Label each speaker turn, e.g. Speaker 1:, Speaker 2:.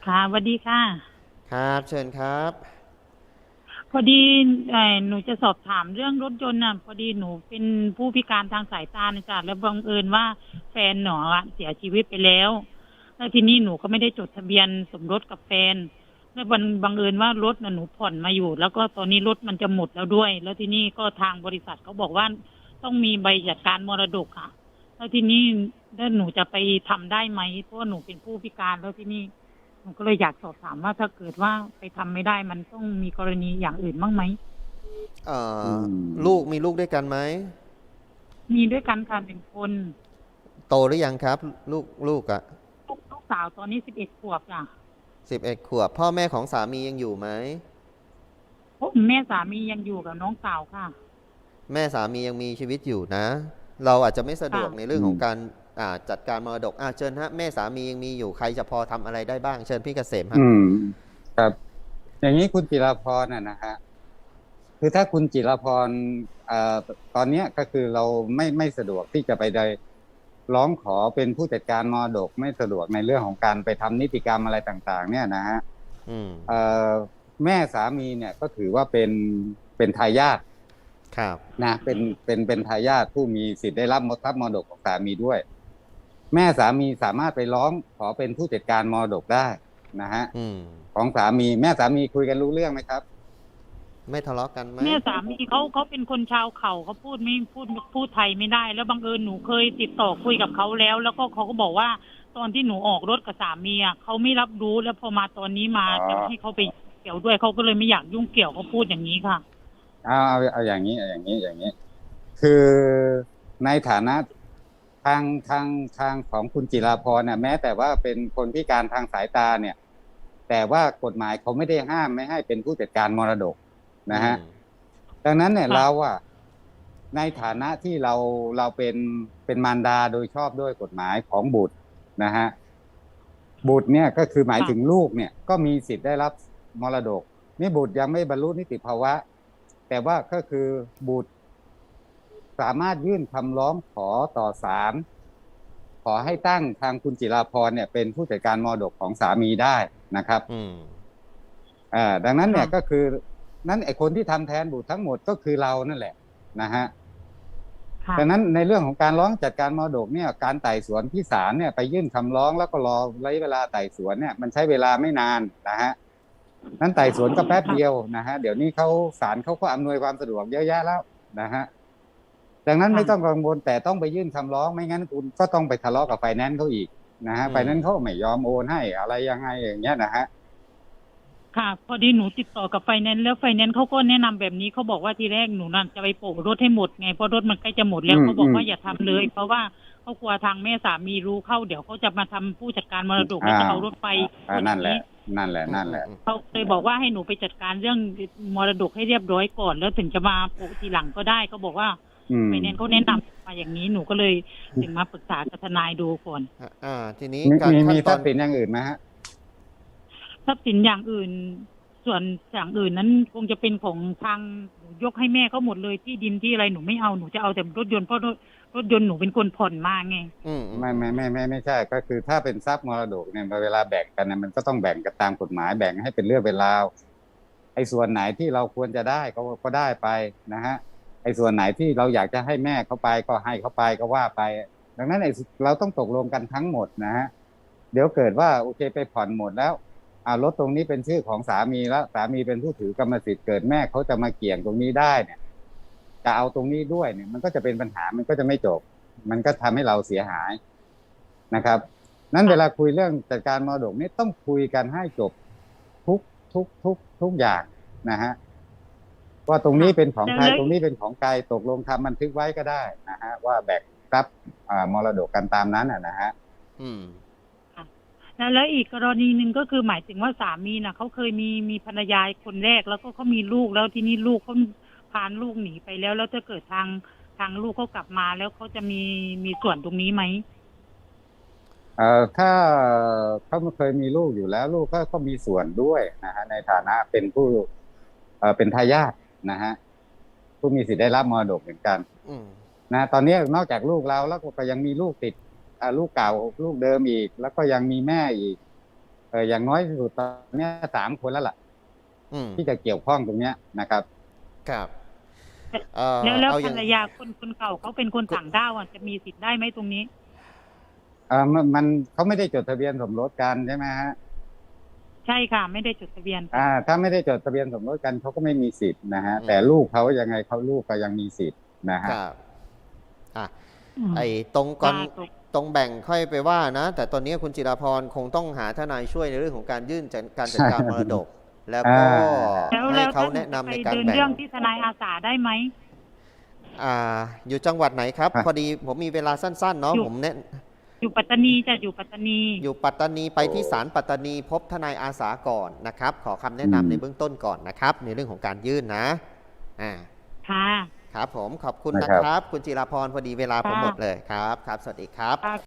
Speaker 1: ค่ะสวัสดีค่ะ
Speaker 2: ครับเชิญครับ
Speaker 1: พอดีหนูจะสอบถามเรื่องรถยนต์น่ะพอดีหนูเป็นผู้พิการทางสายตานะจ๊ะแล้วบังเอิญว่าแฟนหนูอะเสียชีวิตไปแล้วแล้วทีนี้หนูก็ไม่ได้จดทะเบียนสมรสกับแฟนแล้วบังเอิญว่ารถน่ะหนูผ่อนมาอยู่แล้วก็ตอนนี้รถมันจะหมดแล้วด้วยแล้วทีนี้ก็ทางบริษัทเขาบอกว่าต้องมีใบจัดการมรดกค่ะแล้วทีนี้แล้วหนูจะไปทำได้ไหมเพราะว่าหนูเป็นผู้พิการแล้วทีนี้ หนูก็เลยอยากสอบถามว่าถ้าเกิดว่าไปทำไม่ได้มันต้องมีกรณีอย่างอื่นบ้างไหม
Speaker 2: เอ่
Speaker 3: อื
Speaker 2: อลูก
Speaker 3: ม
Speaker 2: มีลูกด้วยกันไหม
Speaker 1: มีด้วยกันค่ะหนึ่งคน
Speaker 2: โตหรือยังครับลูกอ่ะ
Speaker 1: ลูกสาวตอนนี้11 ขวบจ้ะ
Speaker 2: 11 ขวบพ่อแม่ของสามียังอยู่ไหม
Speaker 1: เพราะแม่สามียังอยู่กับน้องสาวค่ะ
Speaker 2: แม่สามียังมีชีวิตอยู่นะเราอาจจะไม่สะด
Speaker 1: ค่ะ
Speaker 2: วกในเรื่
Speaker 3: อืม
Speaker 2: องของการจัดการมรดกเชิญฮะแม่สามียังมีอยู่ใครจะพอทำอะไรได้บ้างเชิญพี่เกษมฮะ
Speaker 3: อืมครับอย่างนี้คุณจิรพรนะฮะคือถ้าคุณจิรพรเอ่อตอนเนี้ยก็คือเราไม่สะดวกที่จะไปได้ร้องขอเป็นผู้จัดการมรดกไม่สะดวกในเรื่องของการไปทำนิติกรรมอะไรต่างๆเนี่ยนะฮะ
Speaker 2: อืม
Speaker 3: เอ่อแม่สามีเนี่ยก็ถือว่าเป็นทายาท
Speaker 2: ครับ
Speaker 3: นะเป็นทายาทผู้มีสิทธิ์ได้รับทรัพย์มรดกของสามีด้วย แม่สามีสามารถไปร้องขอเป็นผู้จัดการมรดกได้นะฮะ
Speaker 2: อืม
Speaker 3: ของสามีแม่สามีคุยกันรู้เรื่องไหมครับ
Speaker 2: ไม่ทะเลาะกันไหม
Speaker 1: แม่สามีเขาเป็นคนชาวเขาเขาพูดไม่พูดไทยไม่ได้แล้วบังเอิญหนูเคยติดต่อคุยกับเขาแล้วแล้วก็เขาก็บอกว่าตอนที่หนูออกรถกับสามีอ่ะเขาไม่รับรู้แล้วพอมาตอนนี้มา
Speaker 3: อ๋อ
Speaker 1: จะให้เขาไปเกี่ยวด้วยเขาก็เลยไม่อยากยุ่งเกี่ยวเขาพูดอย่างนี้ค่ะ
Speaker 3: เอาอย่างนี้คือในฐานะทางของคุณจิราพรเนี่ยแม้แต่ว่าเป็นคนพิการทางสายตาเนี่ยแต่ว่ากฎหมายเขาไม่ได้ห้ามไม่ให้เป็นผู้จัดการมรดก
Speaker 2: อื
Speaker 3: นะฮะ
Speaker 2: ม
Speaker 3: ดังนั้นเนี่ย
Speaker 1: ค่ะ
Speaker 3: เราอะในฐานะที่เราเป็นมารดาโดยชอบด้วยกฎหมายของบุตรนะฮะบุตรเนี่ยก็คือหมายถึง
Speaker 1: ค่ะ
Speaker 3: ลูกเนี่ยก็มีสิทธิ์ได้รับมรดกนี่บุตรยังไม่บรรลุนิติภาวะแต่ว่าก็คือบุตรสามารถยื่นคำร้องขอต่อศาลขอให้ตั้งทางคุณจิราพรเนี่ยเป็นผู้จัดการมรดกของสามีได้นะครับ
Speaker 2: อืม
Speaker 3: ดังนั้นเนี่ยก็
Speaker 1: ค่ะ
Speaker 3: คือนั้นไอ้คนที่ทำแทนบุตรทั้งหมดก็คือเรานั่นแหละนะฮะ
Speaker 1: ค่ะ
Speaker 3: ดังนั้นในเรื่องของการร้องจัดการมรดกเนี่ยการไต่สวนที่ศาลเนี่ยไปยื่นคำร้องแล้วก็รอระยะเวลาไต่สวนเนี่ยมันใช้เวลาไม่นานนะฮะนั้นไต่สวนก็แป๊บเดียว
Speaker 1: ค่ะ
Speaker 3: นะฮะเดี๋ยวนี้เขาศาลเขาก็อำนวยความสะดวกเยอะแยะแล้วนะฮะดังนั้นไม่ต้อง
Speaker 1: ค่ะ
Speaker 3: กังวลแต่ต้องไปยื่นคำร้องไม่งั้นคุณก็ต้องไปทะเลาะกับไฟแนนซ์เขาอีกนะฮะ
Speaker 2: อืม
Speaker 3: ไฟแนนซ์เขาไม่ยอมโอนให้อะไรยังไงอย่างเงี้ยนะฮะ
Speaker 1: ค่ะพอดีหนูติดต่อกับไฟแนนซ์แล้วไฟแนนซ์เขาก็แนะนำแบบนี้เขาบอกว่าทีแรกหนูนั่นจะไปโปะรถให้หมดไงเพราะรถมันใกล้จะหมดแล้วเขาบ
Speaker 3: อืม
Speaker 1: อกว่าอย่าทำเลยเพราะว่าเขากลัวทางแม่สามีรู้เข้าเดี๋ยวเขาจะมาทำผู้จัดการมรดก
Speaker 3: อ่า
Speaker 1: แล้วจะเอารถไปพูดอ
Speaker 3: นั่นแหละ
Speaker 1: ย่างนี้
Speaker 2: อืม
Speaker 1: เขาเลยบอกว่าให้หนูไปจัดการเรื่องมรดกให้เรียบร้อยก่อนแล้วถึงจะมาโปะทีหลังก็ได้เขาบอกว่า
Speaker 3: อืม
Speaker 1: ไฟแนนซ์เขาแนะนำมาอย่างนี้หนูก็เลยถึงมาปรึกษากับทนายดูก่อน
Speaker 2: ทีนี้
Speaker 3: มี
Speaker 2: การขั้นตอน
Speaker 3: ทรัพย์สินอย่างอื่นไหมฮะ
Speaker 1: ทรัพย์สินอย่างอื่นส่วนอย่างอื่นนั้นคงจะเป็นของทางหนูยกให้แม่เขาหมดเลยที่ดินที่อะไรหนูไม่เอาหนูจะเอาแต่รถยนต์เพราะรถยนต์หนูเป็นคนผ่อนมาไง
Speaker 2: อืมอืม
Speaker 3: ไม่ใช่ก็คือถ้าเป็นทรัพย์มรดกเนี่ยเวลาแบ่งกันเนี่ยมันก็ต้องแบ่งกันตามกฎหมายแบ่งให้เป็นเรื่องเป็นราวไอ้ส่วนไหนที่เราควรจะได้ก็ได้ไปนะฮะไอ้ส่วนไหนที่เราอยากจะให้แม่เขาไปก็ให้เขาไปก็ว่าไปดังนั้นไอ้เราต้องตกลงกันทั้งหมดนะฮะเดี๋ยวเกิดว่าโอเคไปผ่อนหมดแล้วรถตรงนี้เป็นชื่อของสามีแล้วสามีเป็นผู้ถือกรรมสิทธิ์เกิดแม่เขาจะมาเกี่ยงตรงนี้ได้เนี่ยจะเอาตรงนี้ด้วยเนี่ยมันก็จะเป็นปัญหามันก็จะไม่จบ มันก็ทำให้เราเสียหายนะครับนั้นเวลาคุยเรื่องจัดการมรดกนี่ต้องคุยกันให้จบทุกทุกอย่างนะฮะว่าตรงนี้
Speaker 1: ค่ะ
Speaker 3: เป็นของใคร
Speaker 1: แล้ว
Speaker 3: ตรงนี้เป็นของใครตกลงทำบันทึกไว้ก็ได้นะฮะว่าแบ่งทรัพย์มรดกกันตามนั้นนะฮะ
Speaker 2: อืม
Speaker 1: ค่ะแล้วอีกกรณีหนึ่งก็คือหมายถึงว่าสามีน่ะเขาเคยมีภรรยาคนแรกแล้วก็เขามีลูกแล้วทีนี้ลูกเขาพานลูกหนีไปแล้วถ้าเกิดทางลูกเขากลับมาแล้วเขาจะมีส่วนตรงนี้ไหม
Speaker 3: ถ้าเขาเคยมีลูกอยู่แล้วลูกก็มีส่วนด้วยนะฮะในฐานะเป็นผู้เป็นทายาทนะฮะผู้มีสิทธิ์ได้รับมรดกเหมือนกัน
Speaker 2: อืม
Speaker 3: นะตอนนี้นอกจากลูกเราแล้วก็ยังมีลูกติดลูกเก่าลูกเดิมอีกแล้วก็ยังมีแม่อีกอย่างน้อยที่สุดตอนเนี้ย3 คนแล้วล่ะ
Speaker 2: อืม
Speaker 3: ที่จะเกี่ยวข้องตรงเนี้ยนะครับ
Speaker 2: ครับ
Speaker 1: แล้ว
Speaker 2: เอาอย่าง
Speaker 1: ภรรยาคนเก่าเขาเป็นคนต่างด้าวอ่ะจะมีสิทธิ์ได้ไหมตรงนี้
Speaker 3: มันเขาไม่ได้จดทะเบียนสมรสกันใช่ไหมฮะ
Speaker 1: ใช่ค่ะ ไม่ได้จดทะเบียน
Speaker 3: ถ้าไม่ได้จดทะเบียนสมรสกันเขาก็ไม่มีสิทธิ์นะฮะ
Speaker 2: อืม
Speaker 3: แต่ลูกเขายังไงเขาลูกก็ยังมีสิทธิ์นะฮะ
Speaker 2: ครับอ่ะ
Speaker 1: อืม
Speaker 2: ไอ้ตรงก่อน
Speaker 1: ค่ะถูก
Speaker 2: ตรงแบ่งค่อยไปว่านะ แต่ตอนนี้คุณจิราพรคงต้องหาทนายช่วยในเรื่องของการยื่นการจัดการมรดก แล้วก็
Speaker 1: แล้ว
Speaker 2: ให้
Speaker 1: แล้ว
Speaker 2: เขา
Speaker 1: ท่าน
Speaker 2: แนะนำ
Speaker 1: ไป
Speaker 2: ในการ
Speaker 1: เดิน
Speaker 2: แบ่ง
Speaker 1: เรื่องที่ทนายอาสาได้ไหม
Speaker 2: อยู่จังหวัดไหนครับ
Speaker 3: ฮะ
Speaker 2: พอดีผมมีเวลาสั้นๆเนาะ
Speaker 1: อยู่
Speaker 2: ผมแนะ
Speaker 1: อยู่ปัตตานีจะอยู่ปัตตานี
Speaker 2: อยู่ปัตตานีไปที่ศาลปัตตานีพบทนายอาสาก่อนนะครับ ขอคำแนะนำในเบื้องต้นก่อนนะครับ ในเรื่องของการยื่นนะ
Speaker 1: ค่ะ
Speaker 2: ครับผมขอบคุณ
Speaker 3: นะ
Speaker 2: นะ
Speaker 3: ครับ
Speaker 2: ครับ คุณจิราพรพอดีเวลาผม
Speaker 1: ค่ะ
Speaker 2: หมดเลยครับครับ สวัสดีครับ
Speaker 1: ค่ะ